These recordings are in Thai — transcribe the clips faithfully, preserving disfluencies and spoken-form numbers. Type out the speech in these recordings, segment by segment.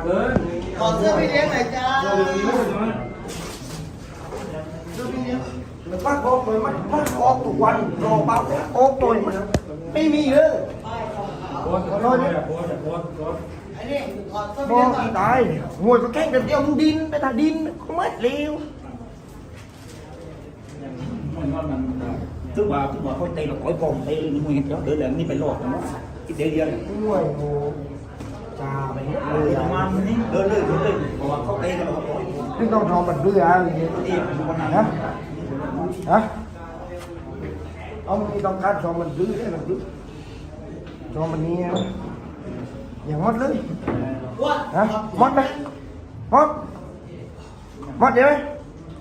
ขอเสื้อพี่เลี้ยงหน่อยจ้าเสื้อพี่เลี้ยงมันปักออกเลยมันปักออกทุกวันรอเปล่าออกตัวมันไม่มีเลยขอโทษนะไอ้นี่ขอเสื้อพี่เลี้ยงก่อนตายมวยก็แข่งกันเดียวมึงดินไปถ้าดินก็ไม่เร็วtức vào tức vào thôi tay là cõi còn tay nguyên đó đỡ là đi phải lọt nó cái đeo dây đúng rồi chà mày người man đi đỡ đỡ đỡ còn không tay là không cái con thò mình đưa ra thì hả hả ông đi con cá cho mình đưa cái là đưa cho mình nghe nhà mót lưới hả mót đây mót mót vậy đấy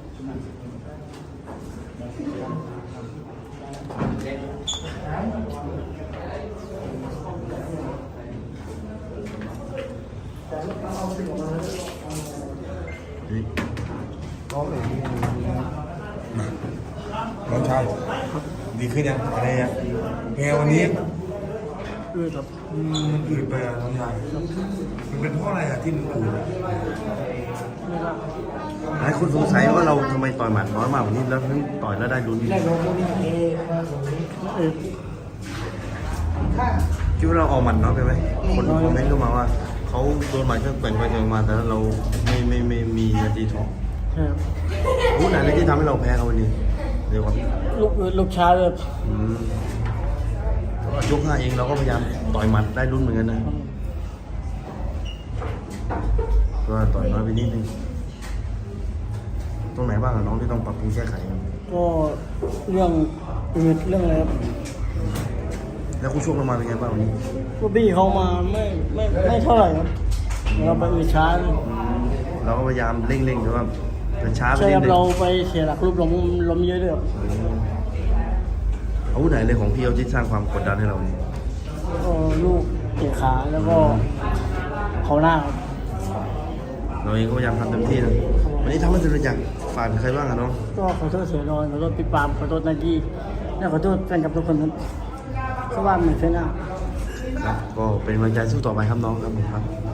น้องชายดีขึ้นยังอะไรยังแพงวันนี้อืดครับมันอืดไปอ่ะน้องชายมันเป็นเพราะอะไรอ่ะที่มันอืดหลายคนสงสัยว่าเราทำไมต่อยหมัดน้อยมากกว่านี้แล้วถึงต่อยแล้วได้ลุ้นคิดว่าเราออกหมัดน้อยไปไหมคนคอมเมนต์ก็มาว่าเขาโดนหมัดก็แกว่งไปแกว่งมาแต่เราไม่ไม่ไม่มีนาทีทองพูดอะไรที่ทำให้เราแพ้เขาวันนี้เดี๋ยวก่อนลูกลูกชาเลยยกห้าเองเราก็พยายามต่อยหมัดได้ลุ้นเหมือนกันนะก็ต่อยน้อยไปนิดนึงตรงไหนบ้างอะน้องที่ต้องปรับปรุงแก้ไขกันก็เรื่องอื่นเรื่องอะไรครับแล้วคู่ชกเรามาเป็นไงบ้างวันนี้ก็บี้เขามาไม่ไม่ไม่เท่าไหร่ครับเราไปอืดช้าเราก็พยายามเร่งๆแต่ว่าเป็นช้าไปใช่ครับนิดนึงเราไปเสียหลักรูปล้มล้มเยอะเลยครับอาวุธไหนเลยของพี่เอาที่สร้างความกดดันให้เราเนี่ยก็ลูกเตะขาแล้วก็เขาหน้าครับเราเองก็พยายามทำเต็มที่นะวันนี้ทำให้สุดอยากฝากใครบ้างอะน้องก็ขอโทษเสียนอนขอโทษพี่ปามขอโทษนายกี้และขอโทษแฟนคลับทุกคนครับเพราะว่าเหมือนเฟน่าครับก็เป็นกำลังใจสู้ต่อไปครับน้องครับผมครับ